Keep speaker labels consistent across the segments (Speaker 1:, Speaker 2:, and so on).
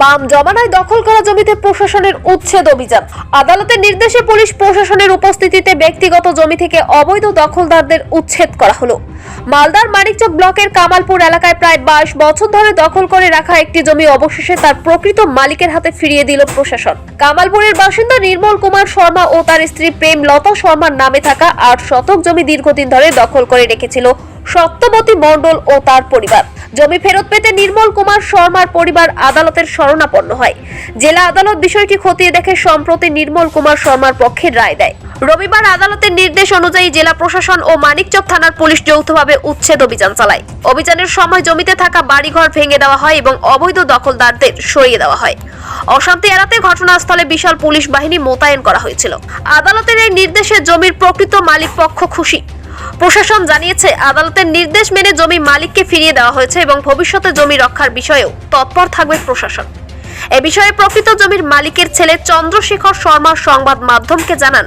Speaker 1: বাম জমানায় দখল করা জমিতে প্রশাসনের উচ্ছেদ অভিযান। আদালতের নির্দেশে পুলিশ প্রশাসনের উপস্থিতিতে ব্যক্তিগত জমি থেকে অবৈধ দখলদারদের উচ্ছেদ করা হলো। মালদার মানিকচক ব্লকের কামালপুর এলাকায় প্রায় 22 বছর ধরে দখল করে রাখা একটি জমি অবশেষে তার প্রকৃত মালিকের হাতে ফিরিয়ে দিল প্রশাসন। কামালপুরের বাসিন্দা নির্মল কুমার শর্মা ও তার স্ত্রী প্রেম লতা শর্মার নামে থাকা 8 শতক জমি দীর্ঘদিন ধরে দখল করে রেখেছিল সত্যবতী মণ্ডল ও তার পরিবার। জমি ফেরত পেতে নির্মল কুমার শর্মার পরিবার আদালতের শরণাপন্ন হয়। জেলা আদালত বিষয়টি খতিয়ে দেখে সম্প্রতি নির্মল কুমার শর্মার পক্ষে রায় দেয়। রবিবার আদালতের নির্দেশ অনুযায়ী জেলা প্রশাসন ও মানিকচক থানার পুলিশ যৌথভাবে উচ্ছেদ অভিযান চালায়। অভিযানের সময় জমিতে থাকা বাড়িঘর ভেঙে দেওয়া হয় এবং অবৈধ দখলদারদের সরিয়ে দেওয়া হয়। অশান্তি এড়াতে ঘটনাস্থলে বিশাল পুলিশ বাহিনী মোতায়েন করা হয়েছিল। আদালতের এই নির্দেশে জমির প্রকৃত মালিক পক্ষ খুশি। প্রশাসন জানিয়েছে, আদালতের নির্দেশ মেনে জমি মালিককে ফিরিয়ে দেওয়া হয়েছে এবং ভবিষ্যতে জমি রক্ষার বিষয়েও তৎপর থাকবে প্রশাসন। এ বিষয়ে প্রকৃত জমির মালিকের ছেলে চন্দ্রশেখর শর্মা সংবাদ মাধ্যমকে জানান,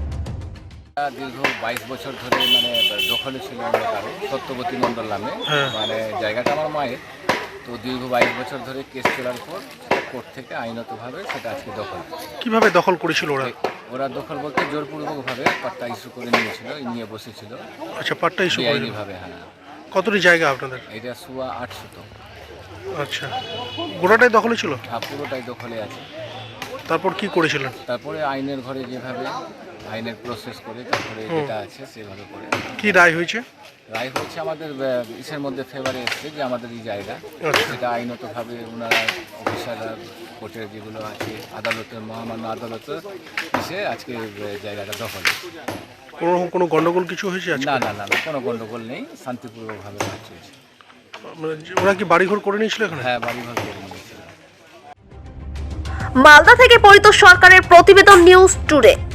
Speaker 2: দীর্ঘ 22 বছর ধরে দখলে ছিল সত্যবতী মণ্ডল নামে, জায়গাটা আমার মায়ের। তো দীর্ঘ 22 বছর ধরে কেস চলার পর কোর্ট থেকে আইনতভাবে সেটা আজকে দখল।
Speaker 3: কিভাবে দখল করেছিল
Speaker 2: ওরা দখল বলতে জোরপূর্বকভাবে পাট্টা ইস্যু করে নিয়েছিল, নিয়ে বসেছিল।
Speaker 3: আচ্ছা, পাট্টা ইস্যু
Speaker 2: ভাবে। হ্যাঁ।
Speaker 3: কতটি জায়গা আপনাদের?
Speaker 2: এটা সোয়া 800 তো।
Speaker 3: আচ্ছা, গোটাটাই দখলে ছিল?
Speaker 2: হ্যাঁ, পুরোটাই দখলে আছে।
Speaker 3: তারপর কি করেছিলেন?
Speaker 2: তারপরে আইনের ঘরে যেভাবে আইনের প্রসেস করে তারপরে যেটা আছে সেভাবে করে।
Speaker 3: কি রায় হয়েছে?
Speaker 2: রায় হচ্ছে আমাদের ইসের মধ্যে ফেভারে এসছে যে আমাদের এই জায়গা, সেটা আইনতভাবে ওনারা অফিসাররা কোর্টের যেগুলো আছে আদালতের মহামান্য আদালতে এসে আজকে জায়গাটা দখল।
Speaker 3: কোনো গন্ডগোল কিছু হয়েছে?
Speaker 2: না না না, কোনো গন্ডগোল নেই, শান্তিপূর্ণভাবে চলছে।
Speaker 3: ওরা কি বাড়িঘর করে নিয়েছিল এখানে?
Speaker 2: হ্যাঁ, বাড়িঘর করে নিয়েছিল।
Speaker 1: মালদা থেকে পরিতোষ সরকারের প্রতিবেদন, নিউজ টুডে।